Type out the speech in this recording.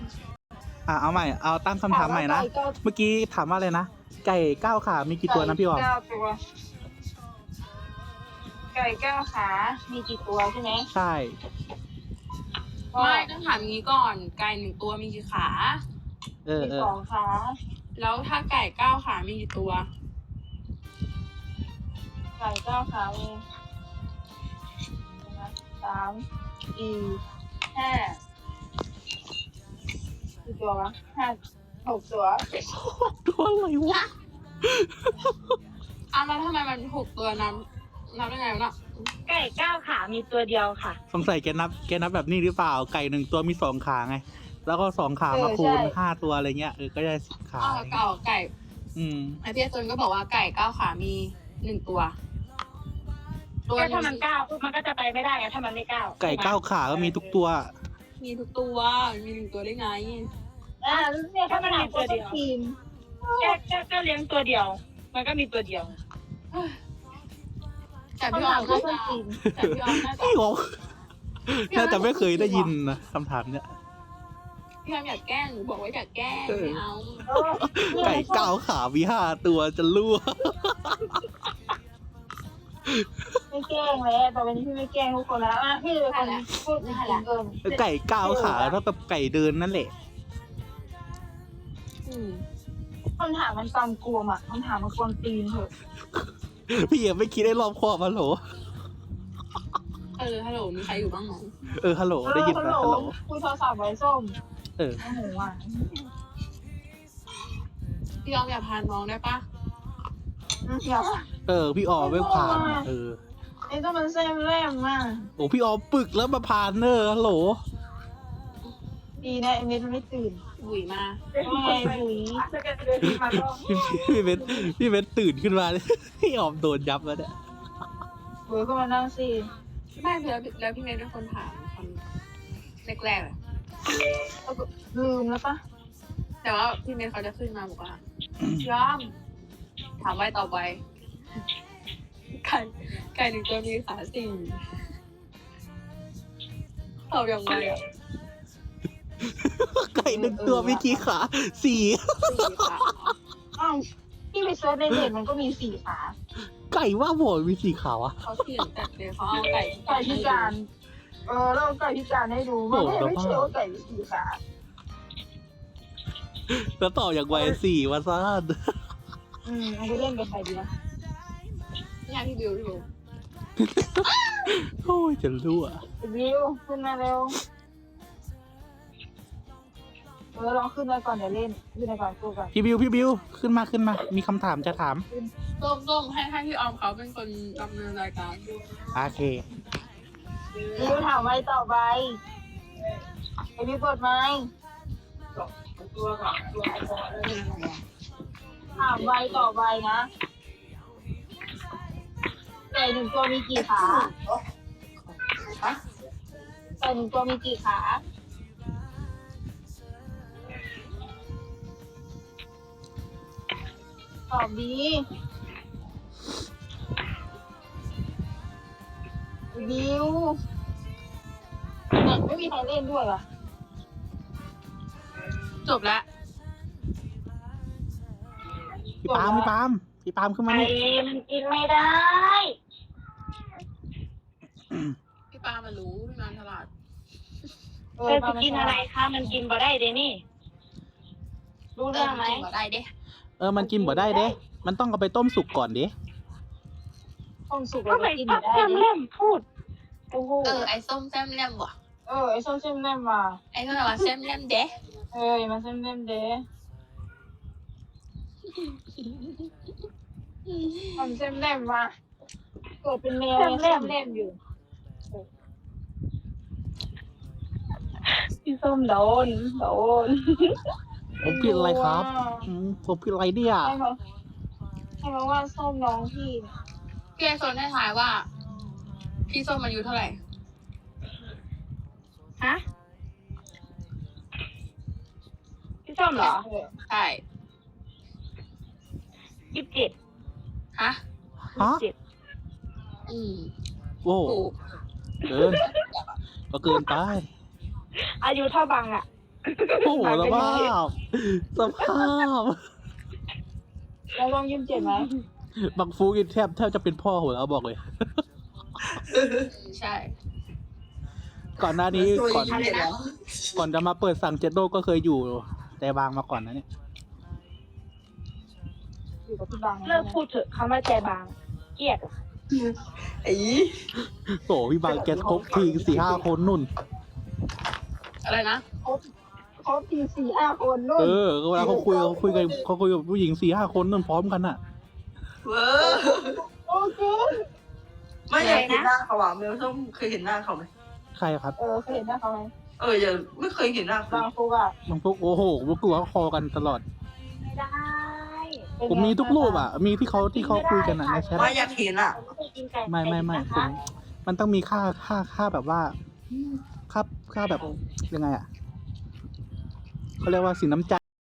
เอาใหม่ เอาตั้งคำถามใหม่นะ เมื่อกี้ถามว่าอะไรนะ ไก่9 ขามีกี่ตัวนะพี่ออม 9 ตัว ไก่9 ขา มีกี่ตัวใช่ไหมใช่ไม่ต้องถามงี้ก่อน ไก่1 ตัวมีกี่ขามี2 ขาแล้วถ้าไก่9 ขามีกี่ตัวไก่9 ขามี3 4 5กี่ตัววะ5 6 ตัวตัวอะไรวะแล้วทำไมมัน6 ตัวนับได้ไงวะน่ะไก่9 ขามีตัวเดียวค่ะสงสัยแกนับแบบนี้หรือเปล่า ไก่1 ตัวมี2 ขาไง แล้วก็2 ขามาคูณใช่ 5 ตัวอะไรเงี้ย ก็ได้10 ขาไก่ ไอพี่โซนก็บอกว่าไก่9 ขามี1 ตัวก็ถ้ามัน9ปุ๊บมันก็จะไปไม่ได้ไงถ้ามันไม่9 ไก่9 ขาก็มีทุกตัวมีทุกตัวมี1 ตัวได้ไงเนี่ยถ้ามันมีตัวเดียวก็เลี้ยงตัวเดียว มันก็มีตัวเดียวแต่พี่ออมน่าจะแต่พี่ออมน่าจะพี่ออมน่าจะไม่เคยได้ยินนะคำถามเนี้ยพี่ออมอยากแกล้งหนูบอกว่าอยากแกล้งไม่เอาไก่9 ขามี5 ตัวจะรั่วไม่แกล้งเลยต่อไปนี้พี่ไม่แกล้งทุกคนแล้วพี่เป็นคนพูดจริงเกินไก่9 ขาเท่ากับไก่เดินนั่นแหละคำถามมันกำกวมอ่ะคำถามมันกวนตีนเถอะพี่ยังไม่คิดได้รอบคอบฮัลโหลฮัลโหลมีใครอยู่บ้างไหมฮัลโหลได้ยินไหมฮัลโหลคุยโทรศัพท์ไว้ส้มเออโอ้โหอ่ะพี่ออมอยากพาน้องได้ปะอยากพี่ออมไม่ผ่านไอ้ต้องมันแซมแรมมากโอ้พี่ออมปึกแล้วมาผ่านเนอร์ฮัลโหลดีนะไอ้เม็ดมันไม่ตื่นบุ๋ยมาไม่บุ๋ยพี่เบนตื่นขึ้นมาเลย พี่ออมโดนยับแล้วเนี่ยบุ๋ยก็มานั่งสิไม่แล้วพี่เมย์เป็นคนถามคนแรกๆเลยลืมแล้วปะแต่ว่าพี่เมย์เขาจะขึ้นมาบอกว่าย้อมถามไว้ต่อไปไก่1 ตัวมีขา4ตอบยังไงอ่ะไก่1 ตัวมีกี่ขา4 4 ขาอ้าวพี่ไปเซิร์ชในเน็ตมันก็มี4 ขาไก่ว่าบ่อยมี4 ขาวะเขาเถียงกันเลยเขาเอาไก่ไก่พิการเราไก่พิการให้ดูมันไม่เชื่อว่าไก่มี4 ขาแล้วต่ออย่างไว4วะซ่านเอาไปเล่นกับใครดีนะนี่พี่บิวโอ้ยจะรั่วบิวขึ้นมาเร็วลองขึ้นมาก่อนเดี๋ยวเล่นขึ้นมาก่อนกูก่อนพี่บิวขึ้นมามีคำถามจะถามส้มให้พี่ออมเขาเป็นคนดำเนินรายการโอเคบิวถามไว้ต่อไปไอบิวเปิดไหมถามไว้ต่อไปนะไก่1 ตัวมีกี่ขาไก่1 ตัวมีกี่ขาตอบดีบิวไม่มีใครเล่นด้วยเหรอจบแล้วพี่ปาล์มขึ้นมานี่มันกินไม่ได้พี่ปามารู้พี่นานฉลาดจะกินอะไรคะมันกินบ่ได้เดนี่รู้เรื่องไหมได้เด้มันกินบ่ได้เด้ มันต้องเอาไปต้มสุกก่อนเด้ต้มสุกแล้วก็กินบ่ได้เล่มพูดโอ้โหไอ้ส้มแซมแลมว่ะไอ้ส้มเส้มเล่มว่ะไอ้ก็แบบว่าแซมแลมเด้มันเส้มเล่มเด้มันเส้มเล่มว่ะเกิดเป็นแมวเส้มเล่มอยู่พี่ส้มโดนผมผิดอะไรครับผมผิดอะไรเนี่ยให้มาว่าส้มน้องพี่พี่ไอโซนได้ทายว่า พี่ส้มอายุเท่าไหร่ฮะพี่ส้มเหรอใช่ 27 ฮะโอ้ถูกเกิน ก็เกินไปอายุเท่าบังอ่ะโอ้โหสภาพสภาพแล้วลองยิ้มเจ็บไหมบังฟูกินแทบจะเป็นพ่อหัวแล้วบอกเลยใช่ก่อนหน้านี้ตัวก่อนยิ้มเด็ดแล้วก่อนจะมาเปิดสั่งเจ็ดโลก็เคยอยู่แต่บางมาก่อนนะเนี่ยอยู่กับพี่บางเลิกพูดเถอะคำว่าใจบางเกลียดไอ้โอ้พี่บางแกครบที4-5 คนนุ่นอะไรนะเขาที4-5 คนนู่นเวลาเขาคุยกับผู้หญิง4-5 คนนุ่นพร้อมกันอ่ะเว้อโอเคไม่อยากเห็นหน้าเขาอ่ะเมลส้มเคยเห็นหน้าเขาไหมใครครับเคยเห็นหน้าเขาไหมยังไม่เคยเห็นหน้าเขาบางฟุกอ่ะบางพวกโอ้โหพวกกูเขาคอกันตลอดไม่ได้ผมมีทุกรูปอ่ะ มีที่เขาคุยกันอ่ะในแชทไม่อยากเห็นอ่ะไม่ผมมันต้องมีค่าแบบว่าค่าแบบยังไงอ่ะเขาเรียกว่าสินน้ำใจ